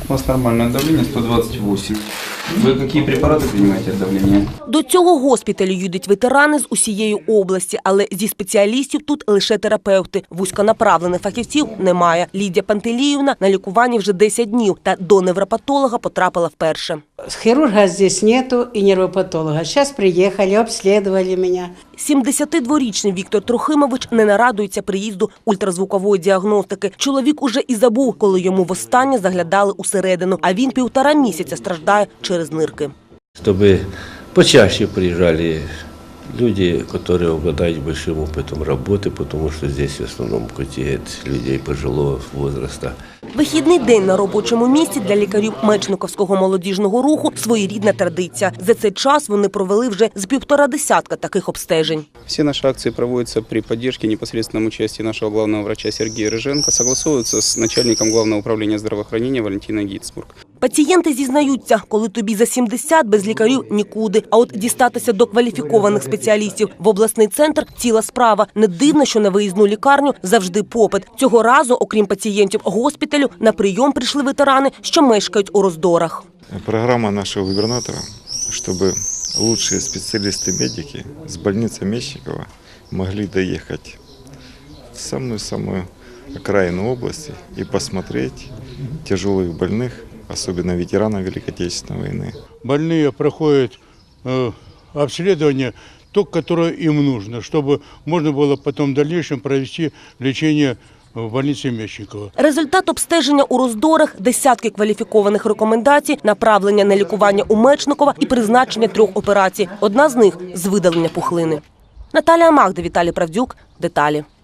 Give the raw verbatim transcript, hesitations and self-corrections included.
У вас нормальное давление сто двадцать восемь. Ви які препарати приймаєте від давлення? До цього госпіталю їдуть ветерани з усієї області, але зі спеціалістів тут лише терапевти. Вузьконаправлених фахівців немає. Лідія Пантеліївна на лікуванні вже десять днів та до невропатолога потрапила вперше. Хирурга здесь нету и невропатолога. Сейчас приехали, обследовали меня. сімдесятидворічний Віктор Трохимович не нарадується приїзду ультразвукової діагностики. Чоловік уже і забув, коли йому востаннє заглядали усередину, а він півтора місяця страждає через нирки. Чтобы почаще приезжали люди, которые обладают большим опытом работы, потому что здесь в основном кутеют людей пожилого возраста. Вихідний день на робочому місці для лікарів Мечниковського молодіжного руху – своєрідна традиція. За цей час вони провели вже з півтора десятка таких обстежень. Всі наші акції проводяться при підтримці непосредственному участі нашого головного врача Сергія Риженка, согласовуються з начальником Главного управління здравоохранения Валентиной Гіцбург. Пацієнти зізнаються, коли тобі за сімдесят, без лікарів нікуди. А от дістатися до кваліфікованих спеціалістів в обласний центр – ціла справа. Не дивно, що на виїзну лікарню завжди попит. Цього разу, окрім пацієнтів госпіталю, на прийом прийшли ветерани, що мешкають у Роздорах. Программа нашего губернатора, чтобы лучшие специалисты-медики с больницы Мечникова могли доехать в самую-самую окраину области и посмотреть тяжелых больных, особенно ветеранов Великой Отечественной войны. Больные проходят э, обследование, то, которое им нужно, чтобы можно было потом в дальнейшем провести лечение в больниці Мечникова. Результат обстеження у Роздорах, десятки кваліфікованих рекомендацій, направлення на лікування у Мечникова і призначення трьох операцій. Одна з них – з видалення пухлини. Наталія Магда, Віталій Правдюк. Деталі.